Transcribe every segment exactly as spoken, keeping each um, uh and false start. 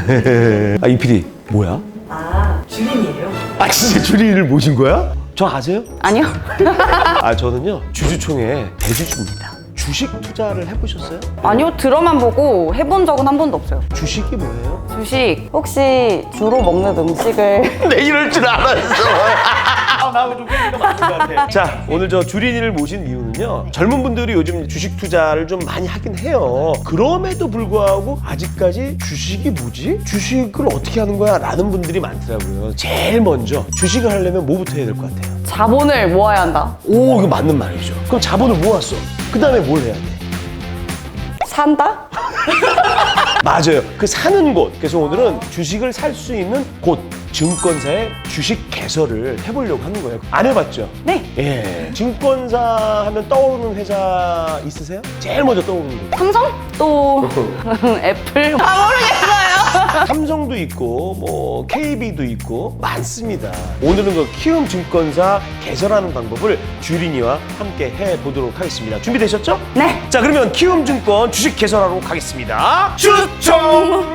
아, 이 피디 뭐야? 아, 주린이에요? 아, 진짜 주린이를 모신 거야? 저 아세요? 아니요. 아, 저는요 주주총회 대주주입니다. 주식 투자를 해보셨어요? 아니요, 들어만 보고 해본 적은 한 번도 없어요. 주식이 뭐예요? 주식, 혹시 주로 먹는 음식을 내 이럴 줄 알았어. 아, 나하고 좀 꿰기가 맞는 것 같아. 자, 오늘 저 주린이를 모신 이유는요, 젊은 분들이 요즘 주식 투자를 좀 많이 하긴 해요. 그럼에도 불구하고 아직까지 주식이 뭐지? 주식을 어떻게 하는 거야? 라는 분들이 많더라고요. 제일 먼저 주식을 하려면 뭐부터 해야 될 것 같아요? 자본을 모아야 한다. 오, 이거 맞는 말이죠. 그럼 자본을 모았어. 그 다음에 뭘 해야 돼? 산다? 맞아요. 그 사는 곳. 그래서 오늘은 주식을 살 수 있는 곳, 증권사의 주식 개설을 해보려고 하는 거예요. 안 해봤죠? 네. 예. 증권사 하면 떠오르는 회사 있으세요? 제일 먼저 떠오르는 거. 삼성? 또 애플? 아, 모르겠어요. 삼성도 있고, 뭐 케이비도 있고 많습니다. 오늘은 그 키움 증권사 개설하는 방법을 주린이와 함께 해보도록 하겠습니다. 준비되셨죠? 네. 자, 그러면 키움 증권 주식 개설하러 가겠습니다. 추첨!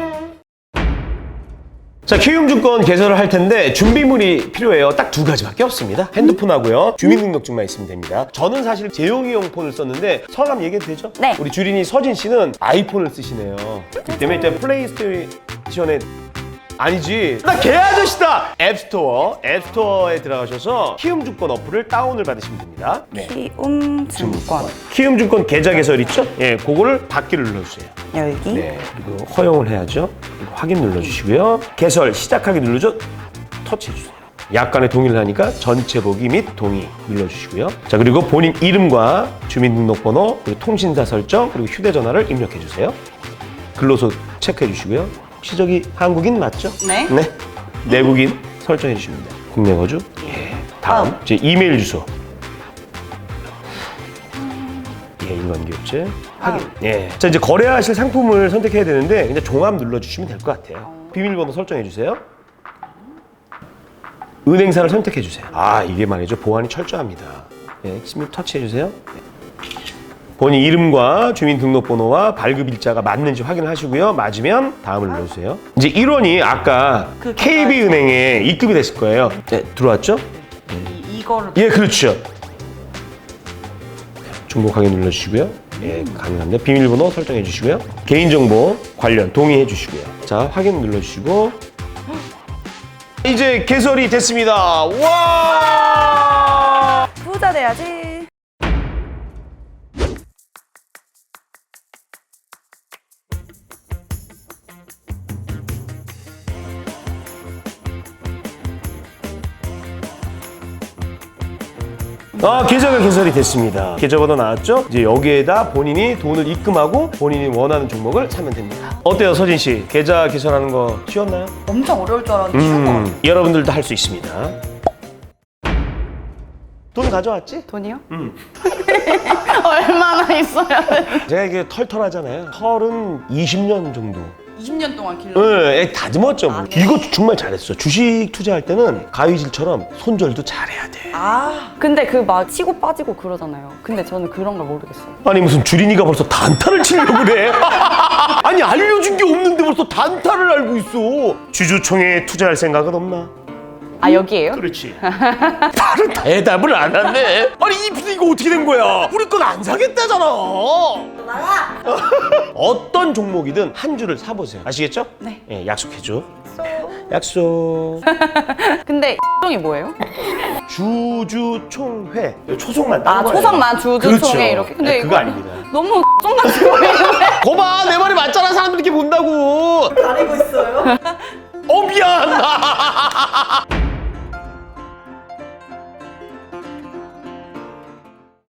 자, 키움증권 개설을 할 텐데 준비물이 필요해요. 딱 두 가지밖에 없습니다. 핸드폰하고요, 주민등록증만 있으면 됩니다. 저는 사실 재용이용 폰을 썼는데 성함 얘기해도 되죠? 네. 우리 주린이 서진 씨는 아이폰을 쓰시네요. 그렇기 때문에 일단 플레이스테이션에 아니지, 나 개 아저씨다! 앱스토어, 앱스토어에 들어가셔서 키움증권 어플을 다운을 받으시면 됩니다. 네. 키움 증권. 키움증권 계좌 개설 있죠? 예, 그거를 받기를 눌러주세요. 여기. 네, 그리고 허용을 해야죠. 그리고 확인 눌러주시고요. 개설 시작하기 누르죠. 터치해주세요. 약간의 동의를 하니까 전체 보기 및 동의 눌러주시고요. 자, 그리고 본인 이름과 주민등록번호, 그리고 통신사 설정, 그리고 휴대전화를 입력해주세요. 근로소 체크해주시고요. 혹시 저기 한국인 맞죠? 네. 네. 내국인 설정해주시면 돼요. 국내 거주. 예. 다음, 다음. 제 이메일 주소. 예, 일반기업체 확인. 예. 자, 이제 거래하실 상품을 선택해야 되는데 이제 종합 눌러주시면 될 것 같아요. 비밀번호 설정해 주세요. 은행사를 선택해 주세요. 아, 이게 말이죠, 보안이 철저합니다. 예, 스미 터치해 주세요. 네. 본인 이름과 주민등록번호와 발급일자가 맞는지 확인하시고요. 맞으면 다음을 눌러주세요. 이제 일 원이 아까 케이비은행에 입금이 됐을 거예요. 네, 들어왔죠? 이, 이거를. 예, 그렇죠. 중복하게 눌러주시고요. 예, 가능합니다. 비밀번호 설정해 주시고요. 개인정보 관련 동의해 주시고요. 자, 확인 눌러주시고 이제 개설이 됐습니다. 와! 부자 돼야지. 아, 계좌가 개설이 됐습니다. 계좌번호 나왔죠? 이제 여기에다 본인이 돈을 입금하고 본인이 원하는 종목을 사면 됩니다. 어때요, 서진 씨? 계좌 개설하는 거 쉬웠나요? 엄청 어려울 줄 알았는데 쉬운 거 같아요. 음, 여러분들도 할 수 있습니다. 돈 가져왔지? 돈이요? 음. 얼마나 있어야 돼? 제가 이게 털털하잖아요. 털은 이십 년 정도. 이십 년 동안 길러. 네, 다듬었죠. 뭐. 이거 정말 잘했어. 주식 투자할 때는 가위질처럼 손절도 잘해야 돼. 아. 근데 그 막 치고 빠지고 그러잖아요. 근데 저는 그런 걸 모르겠어요. 아니, 무슨 주린이가 벌써 단타를 치려고 그래. 아니, 알려준 게 없는데 벌써 단타를 알고 있어. 주주총회에 투자할 생각은 없나? 아, 여기에요? 그렇지. 바로 대답을 안 하네. 아니, 이 피디 이거 어떻게 된 거야? 우리 건 안 사겠다잖아. 나가! 어떤 종목이든 한 주를 사보세요. 아시겠죠? 네. 예, 약속해줘. 약속. 근데 이 뭐예요? 주주총회. 초성만 딴 아, 거예요. 초성만 주주총회 그렇죠. 이렇게. 근데 네, 그거 이거 아닙니다. 너무 쫑같이 보이는데. 거봐, 내 말이 맞잖아. 사람들이 이렇게 본다고. 가리고 있어요? 어, 미안.